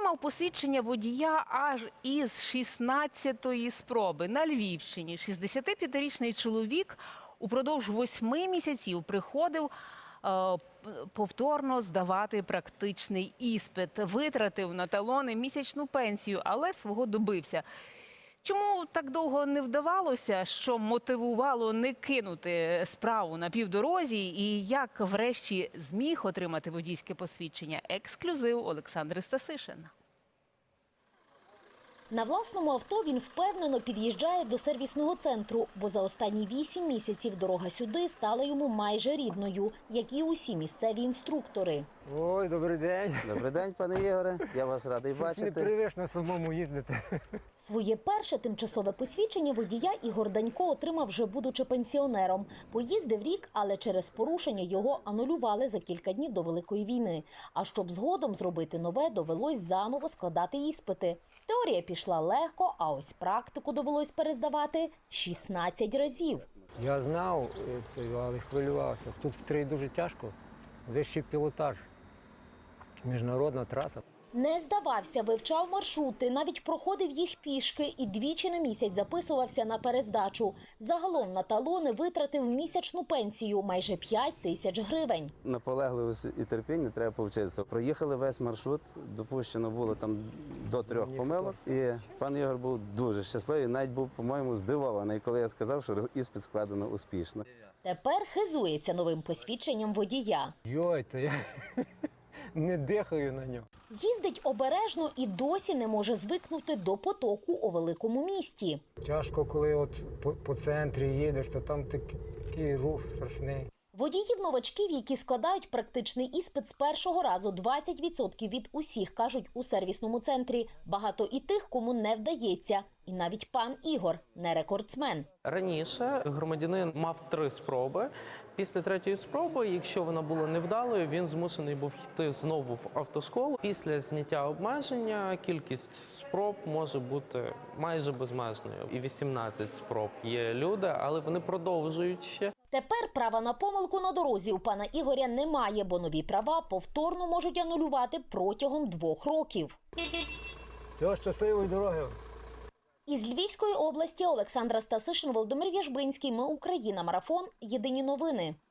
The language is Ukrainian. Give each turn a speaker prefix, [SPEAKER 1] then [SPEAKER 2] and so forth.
[SPEAKER 1] отримав посвідчення водія аж із 16-ї спроби. На Львівщині 65-річний чоловік упродовж 8 місяців приходив повторно здавати практичний іспит. Витратив на талони місячну пенсію, але свого добився. Чому так довго не вдавалося, що мотивувало не кинути справу на півдорозі і як врешті зміг отримати водійське посвідчення? Ексклюзив Олександри Стасишин.
[SPEAKER 2] На власному авто він впевнено під'їжджає до сервісного центру, бо за останні 8 місяців дорога сюди стала йому майже рідною, як і усі місцеві інструктори.
[SPEAKER 3] Ой, добрий день.
[SPEAKER 4] Добрий день, пане Ігоре. Я вас радий бачити.
[SPEAKER 3] Непривично самому їздити.
[SPEAKER 2] Своє перше тимчасове посвідчення водія Ігор Данько отримав вже будучи пенсіонером. Поїздив рік, але через порушення його анулювали за кілька днів до Великої війни. А щоб згодом зробити нове, довелось заново складати іспити. Теорія пішла легко, а ось практику довелось перездавати 16 разів.
[SPEAKER 3] Я знав, але хвилювався. Тут стрій дуже тяжко, вищий пілотаж, міжнародна траса.
[SPEAKER 2] Не здавався, вивчав маршрути, навіть проходив їх пішки і двічі на місяць записувався на перездачу. Загалом на талони витратив місячну пенсію – майже 5 тисяч гривень.
[SPEAKER 4] Наполегливості і терпіння треба повчитися. Проїхали весь маршрут, допущено було там до 3 помилок. І пан Ігор був дуже щасливий, навіть був, по-моєму, здивований, коли я сказав, що іспит складено успішно.
[SPEAKER 2] Тепер хизується новим посвідченням водія.
[SPEAKER 3] Йой, то я не дихаю на нього.
[SPEAKER 2] Їздить обережно і досі не може звикнути до потоку у великому місті.
[SPEAKER 3] Тяжко, коли от по центрі їдеш, то там такий рух страшний.
[SPEAKER 2] Водіїв-новачків, які складають практичний іспит з першого разу, 20% від усіх, кажуть у сервісному центрі. Багато і тих, кому не вдається. І навіть пан Ігор не рекордсмен.
[SPEAKER 5] Раніше громадянин мав 3 спроби. Після 3-ї спроби, якщо вона була невдалою, він змушений був йти знову в автошколу. Після зняття обмеження кількість спроб може бути майже безмежною. І 18 спроб є люди, але вони продовжують ще.
[SPEAKER 2] Тепер права на помилку на дорозі у пана Ігоря немає, бо нові права повторно можуть анулювати протягом 2 років.
[SPEAKER 3] Всього щасливої дороги.
[SPEAKER 2] Із Львівської області Олександра Стасишин, Володимир В'яжбинський. Ми Україна. Марафон. Єдині новини.